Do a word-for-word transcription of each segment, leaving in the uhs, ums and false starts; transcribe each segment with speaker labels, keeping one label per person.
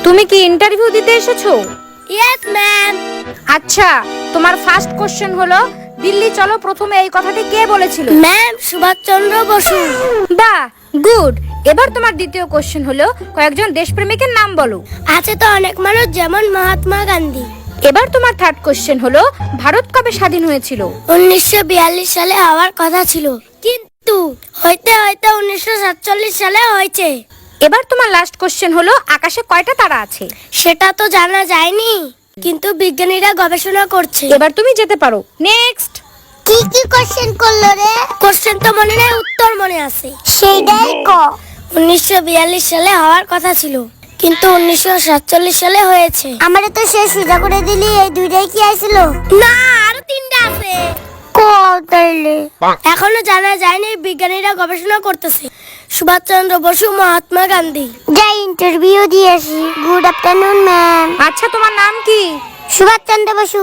Speaker 1: তুমি কি ইন্টারভিউ দিতে এসেছো?
Speaker 2: Yes ma'am.
Speaker 1: আচ্ছা, তোমার ফার্স্ট কোশ্চেন হলো দিল্লি চলো প্রথমে এই কথাটি কে বলেছিল?
Speaker 2: ম্যাম সুভাষচন্দ্র বসু।
Speaker 1: বাহ, গুড। এবার তোমার দ্বিতীয় কোশ্চেন হলো কয়েকজন দেশপ্রেমিকের নাম বলো।
Speaker 2: আছে তো অনেক মানুষ, যেমন মহাত্মা গান্ধী।
Speaker 1: এবার তোমার থার্ড কোশ্চেন হলো ভারত কবে স্বাধীন হয়েছিল?
Speaker 2: উনিশশো বিয়াল্লিশ সালে হওয়ার কথা ছিল, কিন্তু হইতে হইতে উনিশশো সাতচল্লিশ সালে হয়েছে।
Speaker 1: এবার তোমার লাস্ট কোশ্চেন হলো আকাশে কয়টা তারা আছে?
Speaker 2: সেটা তো জানা যায়নি, কিন্তু বিজ্ঞানীরা গবেষণা করছে।
Speaker 1: এবার তুমি যেতে পারো। নেক্সট।
Speaker 2: কি কি কোশ্চেন করলো রে? কোশ্চেন তো মনে নাই, উত্তর মনে আছে। সেইটাই ক। উনিশশো বিয়াল্লিশ সালে হওয়ার কথা ছিল, কিন্তু উনিশশো সাতচল্লিশ সালে হয়েছে। আমারে তো সে সুজা করে দিলি, এই দুইটাই কি আইছিল? না, আরো তিনটা আছে। এখনো জানা যায়নি, বিজ্ঞানীরা গবেষণা করতেছে। সুভাষচন্দ্র বসু, মহাত্মা গান্ধী। যাই ইন্টারভিউ দিয়ে আসি। Good afternoon ma'am.
Speaker 1: আচ্ছা, তোমার নাম কি?
Speaker 2: সুভাষচন্দ্র বসু।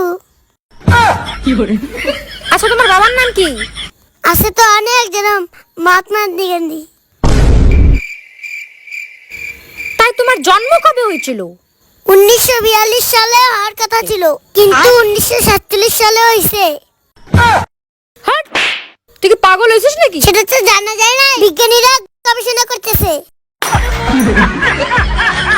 Speaker 1: আচ্ছা, তোমার বাবার নাম কি?
Speaker 2: আছে তো অনেক, যেরকম মহাত্মা গান্ধী।
Speaker 1: তাই তোমার জন্ম কবে হয়েছিল?
Speaker 2: উনিশশো বিয়াল্লিশ সালে হওয়ার কথা ছিল, কিন্তু উনিশশো সাতচল্লিশ সালে হয়েছে।
Speaker 1: হাট, তুই কি পাগল হয়েছিস নাকি?
Speaker 2: সেটা তো জানা যায় না, বিজ্ঞানীরা গবেষণা করতেছে।